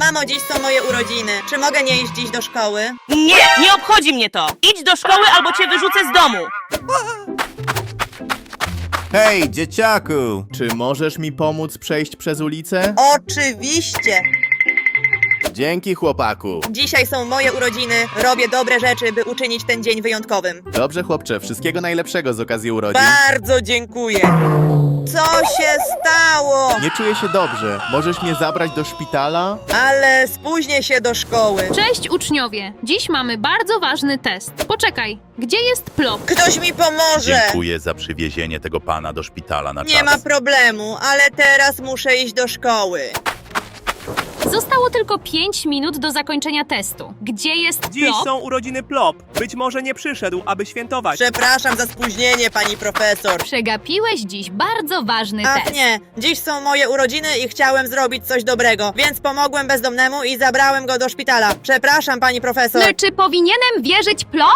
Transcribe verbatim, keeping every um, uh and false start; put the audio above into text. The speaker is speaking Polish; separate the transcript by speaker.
Speaker 1: Mamo, dziś są moje urodziny. Czy mogę nie iść dziś do szkoły?
Speaker 2: Nie, nie obchodzi mnie to! Idź do szkoły albo cię wyrzucę z domu!
Speaker 3: Hej, dzieciaku! Czy możesz mi pomóc przejść przez ulicę?
Speaker 1: Oczywiście!
Speaker 3: Dzięki, chłopaku.
Speaker 1: Dzisiaj są moje urodziny. Robię dobre rzeczy, by uczynić ten dzień wyjątkowym.
Speaker 3: Dobrze, chłopcze, wszystkiego najlepszego z okazji urodzin.
Speaker 1: Bardzo dziękuję. Co się stało?
Speaker 3: Nie czuję się dobrze. Możesz mnie zabrać do szpitala?
Speaker 1: Ale spóźnię się do szkoły.
Speaker 4: Cześć uczniowie! Dziś mamy bardzo ważny test. Poczekaj, gdzie jest plop?
Speaker 1: Ktoś mi pomoże.
Speaker 5: Dziękuję za przywiezienie tego pana do szpitala na czas.
Speaker 1: Nie ma problemu, ale teraz muszę iść do szkoły.
Speaker 4: Zostało tylko pięć minut do zakończenia testu. Gdzie jest
Speaker 6: Dziś
Speaker 4: plop?
Speaker 6: są urodziny Plop. Być może nie przyszedł, aby świętować.
Speaker 1: Przepraszam za spóźnienie, pani profesor.
Speaker 4: Przegapiłeś dziś bardzo ważny
Speaker 1: Ach
Speaker 4: test.
Speaker 1: nie, dziś są moje urodziny i chciałem zrobić coś dobrego, więc pomogłem bezdomnemu i zabrałem go do szpitala. Przepraszam, pani profesor.
Speaker 4: No, czy powinienem wierzyć plop?